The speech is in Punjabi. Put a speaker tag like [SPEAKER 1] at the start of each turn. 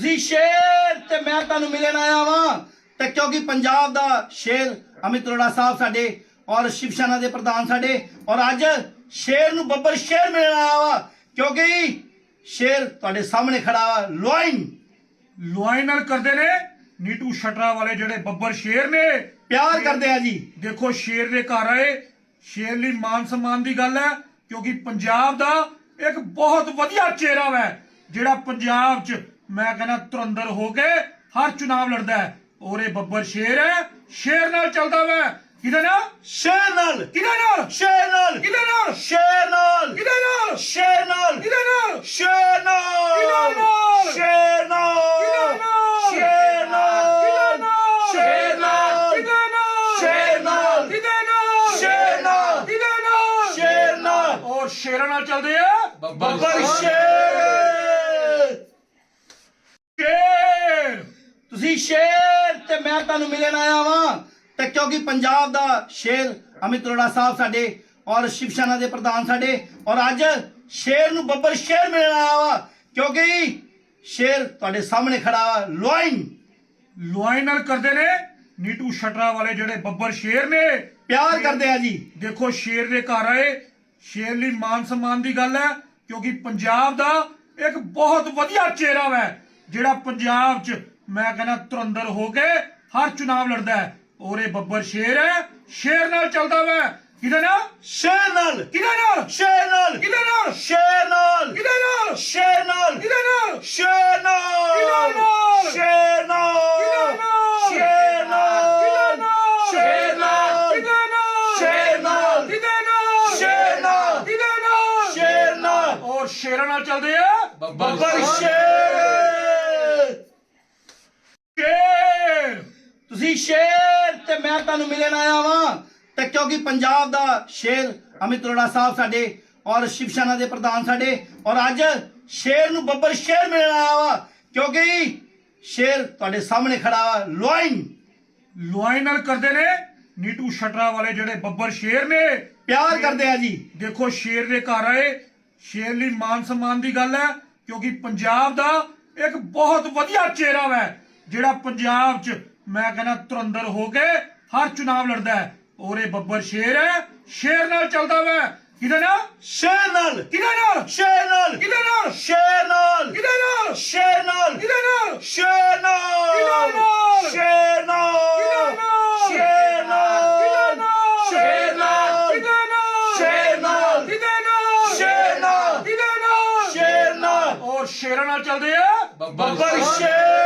[SPEAKER 1] ਤੁਸੀਂ ਸ਼ੇਰ ਤੇ ਮੈਂ ਤੁਹਾਨੂੰ ਮਿਲਣ ਆਇਆ ਵਾਂ ਤੇ ਕਿਉਂਕਿ ਪੰਜਾਬ ਦਾ ਸ਼ੇਰ ਅਮਿਤ ਅਰੋੜਾ ਸਾਹਿਬ ਸਾਡੇ ਔਰ ਸ਼ਿਵ ਸੈਨਾ ਦੇ ਪ੍ਰਧਾਨ ਸਾਡੇ ਔਰ ਅੱਜ ਸ਼ੇਰ ਨੂੰ ਬੱਬਰ ਸ਼ੇਰ ਮਿਲਣ ਆਇਆ ਵਾ ਕਿਉਂਕਿ ਸ਼ੇਰ ਤੁਹਾਡੇ ਸਾਹਮਣੇ ਖੜਾ ਵਾ
[SPEAKER 2] ਲੁਆਈ ਨਾਲ ਕਰਦੇ ਨੇ ਨੀਟੂ ਸ਼ਟਰਾ ਵਾਲੇ ਜਿਹੜੇ ਬੱਬਰ ਸ਼ੇਰ ਨੇ
[SPEAKER 1] ਪਿਆਰ ਕਰਦੇ ਆ ਜੀ।
[SPEAKER 2] ਦੇਖੋ ਸ਼ੇਰ ਦੇ ਘਰ ਆਏ, ਸ਼ੇਰ ਲਈ ਮਾਨ ਸਨਮਾਨ ਦੀ ਗੱਲ ਹੈ ਕਿਉਂਕਿ ਪੰਜਾਬ ਦਾ ਇੱਕ ਬਹੁਤ ਵਧੀਆ ਚਿਹਰਾ ਹੈ ਜਿਹੜਾ ਪੰਜਾਬ 'ਚ ਮੈਂ ਕਹਿੰਦਾ ਧੁਰੰਧਰ ਹੋ ਕੇ ਹਰ ਚੁਣਾਵ ਲੜਦਾ ਹੈ ਔਰ ਇਹ ਬੱਬਰ ਸ਼ੇਰ ਹੈ, ਸ਼ੇਰ ਨਾਲ ਚੱਲਦਾ ਵੈ। ਕਿਹਦੇ ਨਾਲ?
[SPEAKER 1] ਸ਼ੇਰ ਨਾਲ।
[SPEAKER 2] ਕਿਹਦੇ ਨਾਲ?
[SPEAKER 1] ਸ਼ੇਰ ਨਾਲ।
[SPEAKER 2] ਕਿਹਦੇ ਨਾਲ?
[SPEAKER 1] ਸ਼ੇਰ ਨਾਲ।
[SPEAKER 2] ਕਿਹਦੇ ਨਾਲ?
[SPEAKER 1] ਸ਼ੇਰ ਨਾਲ।
[SPEAKER 2] ਕਿਹਦੇ ਨਾਲ?
[SPEAKER 1] ਸ਼ੇਰ ਨਾਲ।
[SPEAKER 2] ਕਿਹਦੇ ਨਾਲ?
[SPEAKER 1] ਸ਼ੇਰ ਨਾਲ।
[SPEAKER 2] ਕਿਹਦੇ ਨਾਲ?
[SPEAKER 1] ਸ਼ੇਰ ਨਾਲ।
[SPEAKER 2] ਕਿਹਦੇ ਨਾਲ?
[SPEAKER 1] ਸ਼ੇਰ ਨਾਲ।
[SPEAKER 2] ਕਿਹਦੇ ਨਾਲ?
[SPEAKER 1] ਸ਼ੇਰ ਨਾਲ।
[SPEAKER 2] ਕਿਹਦੇ ਨਾਲ?
[SPEAKER 1] ਸ਼ੇਰ ਨਾਲ।
[SPEAKER 2] ਕਿਹਦੇ ਨਾਲ?
[SPEAKER 1] ਸ਼ੇਰ ਨਾਲ।
[SPEAKER 2] ਔਰ ਸ਼ੇਰਾਂ ਨਾਲ ਚੱਲਦੇ ਆ
[SPEAKER 1] ਬੱਬਰ ਸ਼ੇਰ।
[SPEAKER 2] ਸ਼ੇਰ।
[SPEAKER 1] ਤੁਸੀਂ ਸ਼ੇਰ ਤੇ ਮੈਂ ਤੁਹਾਨੂੰ ਮਿਲਣ ਆਇਆ ਵਾਂ ਤੇ ਕਿਉਂਕਿ ਪੰਜਾਬ ਦਾ ਸ਼ੇਰ ਅਮਿਤ ਅਰੋੜਾ ਸਾਹਿਬ ਸਾਡੇ ਔਰ ਸ਼ਿਵ ਸੈਨਾ ਦੇ ਪ੍ਰਧਾਨ ਸਾਡੇ ਔਰ ਅੱਜ ਸ਼ੇਰ ਨੂੰ ਬੱਬਰ ਸ਼ੇਰ ਮਿਲਣ ਆਇਆ ਵਾ ਕਿਉਂਕਿ ਸ਼ੇਰ ਤੁਹਾਡੇ ਸਾਹਮਣੇ ਖੜਾ ਵਾ
[SPEAKER 2] ਲੁਆਈ ਨਾਲ ਕਰਦੇ ਨੇ ਨੀਟੂ ਸ਼ਟਰਾ ਵਾਲੇ ਜਿਹੜੇ ਬੱਬਰ ਸ਼ੇਰ ਨੇ
[SPEAKER 1] ਪਿਆਰ ਕਰਦੇ ਆ ਜੀ।
[SPEAKER 2] ਦੇਖੋ ਸ਼ੇਰ ਦੇ ਘਰ ਆਏ, ਸ਼ੇਰ ਲਈ ਮਾਨ ਸਨਮਾਨ ਦੀ ਗੱਲ ਹੈ ਕਿਉਂਕਿ ਪੰਜਾਬ ਦਾ ਇੱਕ ਬਹੁਤ ਵਧੀਆ ਚਿਹਰਾ ਹੈ ਜਿਹੜਾ ਪੰਜਾਬ 'ਚ ਮੈਂ ਕਹਿੰਦਾ ਧੁਰੰਧਰ ਹੋ ਕੇ ਹਰ ਚੁਣਾਵ ਲੜਦਾ ਹੈ ਔਰ ਇਹ ਬੱਬਰ ਸ਼ੇਰ ਹੈ, ਸ਼ੇਰ ਨਾਲ ਚੱਲਦਾ ਵੈ। ਕਿਹਦੇ ਨਾਲ?
[SPEAKER 1] ਸ਼ੇਰ ਨਾਲ।
[SPEAKER 2] ਕਿਹਦੇ ਨਾਲ?
[SPEAKER 1] ਸ਼ੇਰ ਨਾਲ।
[SPEAKER 2] ਕਿਹਦੇ ਨਾਲ?
[SPEAKER 1] ਸ਼ੇਰ ਨਾਲ।
[SPEAKER 2] ਕਿਹਦੇ ਨਾਲ?
[SPEAKER 1] ਸ਼ੇਰ ਨਾਲ।
[SPEAKER 2] ਕਿਹਦੇ ਨਾਲ?
[SPEAKER 1] ਸ਼ੇਰ ਨਾਲ।
[SPEAKER 2] ਕਿਹਦੇ ਨਾਲ?
[SPEAKER 1] ਸ਼ੇਰ ਨਾਲ। ਸ਼ੇਰ ਨਾਲ। ਸ਼ੇਰ ਨਾਲ।
[SPEAKER 2] ਕਿਹਦੇ ਨਾਲ?
[SPEAKER 1] ਸ਼ੇਰ ਨਾਲ।
[SPEAKER 2] ਕਿਹਦੇ ਨਾਲ?
[SPEAKER 1] ਸ਼ੇਰ ਨਾਲ।
[SPEAKER 2] ਕਿਹਦੇ ਨਾਲ?
[SPEAKER 1] ਸ਼ੇਰ ਨਾਲ।
[SPEAKER 2] ਔਰ ਸ਼ੇਰਾਂ ਨਾਲ ਚੱਲਦੇ ਆ
[SPEAKER 1] ਬੱਬਰ ਸ਼ੇਰ।
[SPEAKER 2] ਸ਼ੇਰ।
[SPEAKER 1] ਤੁਸੀਂ ਸ਼ੇਰ ਤੇ ਮੈਂ ਤੁਹਾਨੂੰ ਮਿਲਣ ਆਇਆ ਵਾਂ ਤੇ ਕਿਉਂਕਿ ਪੰਜਾਬ ਦਾ ਸ਼ੇਰ ਅਮਿਤ ਅਰੋੜਾ ਸਾਹਿਬ ਸਾਡੇ ਔਰ ਸ਼ਿਵ ਸੈਨਾ ਦੇ ਪ੍ਰਧਾਨ ਸਾਡੇ ਔਰ ਅੱਜ ਸ਼ੇਰ ਨੂੰ ਬੱਬਰ ਸ਼ੇਰ ਮਿਲਣ ਆਇਆ ਵਾ ਕਿਉਂਕਿ ਸ਼ੇਰ ਤੁਹਾਡੇ ਸਾਹਮਣੇ ਖੜਾ ਵਾ
[SPEAKER 2] ਲੁਆਈ ਨਾਲ ਕਰਦੇ ਨੇ ਨੀਟੂ ਸ਼ਟਰਾ ਵਾਲੇ ਜਿਹੜੇ ਬੱਬਰ ਸ਼ੇਰ ਨੇ
[SPEAKER 1] ਪਿਆਰ ਕਰਦੇ ਆ ਜੀ।
[SPEAKER 2] ਦੇਖੋ ਸ਼ੇਰ ਦੇ ਘਰ ਆਏ, ਸ਼ੇਰ ਲਈ ਮਾਨ ਸਨਮਾਨ ਦੀ ਗੱਲ ਹੈ ਕਿਉਂਕਿ ਪੰਜਾਬ ਦਾ ਇੱਕ ਬਹੁਤ ਵਧੀਆ ਚਿਹਰਾ ਹੈ ਜਿਹੜਾ ਪੰਜਾਬ 'ਚ ਮੈਂ ਕਹਿੰਦਾ ਧੁਰੰਧਰ ਹੋ ਕੇ ਹਰ ਚੁਣਾਵ ਲੜਦਾ ਹੈ ਔਰ ਇਹ ਬੱਬਰ ਸ਼ੇਰ ਹੈ, ਸ਼ੇਰ ਨਾਲ ਚੱਲਦਾ ਵੈ। ਕਿਹਦੇ ਨਾਲ?
[SPEAKER 1] ਸ਼ੇਰ ਨਾਲ।
[SPEAKER 2] ਕਿਹਦੇ ਨਾਲ?
[SPEAKER 1] ਸ਼ੇਰ ਨਾਲ।
[SPEAKER 2] ਕਿਹਦੇ ਨਾਲ?
[SPEAKER 1] ਸ਼ੇਰ ਨਾਲ।
[SPEAKER 2] ਕਿਹਦੇ ਨਾਲ?
[SPEAKER 1] ਸ਼ੇਰ ਨਾਲ।
[SPEAKER 2] ਕਿਹਦੇ ਨਾਲ?
[SPEAKER 1] ਸ਼ੇਰ ਨਾਲ।
[SPEAKER 2] ਕਿਹਦੇ ਨਾਲ?
[SPEAKER 1] ਸ਼ੇਰ ਨਾਲ। ਸ਼ੇਰ ਨਾਲ। ਸ਼ੇਰ ਨਾਲ।
[SPEAKER 2] ਕਿਹਦੇ ਨਾਲ?
[SPEAKER 1] ਸ਼ੇਰ ਨਾਲ।
[SPEAKER 2] ਕਿਹਦੇ ਨਾਲ?
[SPEAKER 1] ਸ਼ੇਰ ਨਾਲ।
[SPEAKER 2] ਕਿਹਦੇ ਨਾਲ?
[SPEAKER 1] ਸ਼ੇਰ ਨਾਲ।
[SPEAKER 2] ਔਰ ਸ਼ੇਰਾਂ ਨਾਲ ਚੱਲਦੇ ਆ
[SPEAKER 1] ਬੱਬਰ ਸ਼ੇਰ।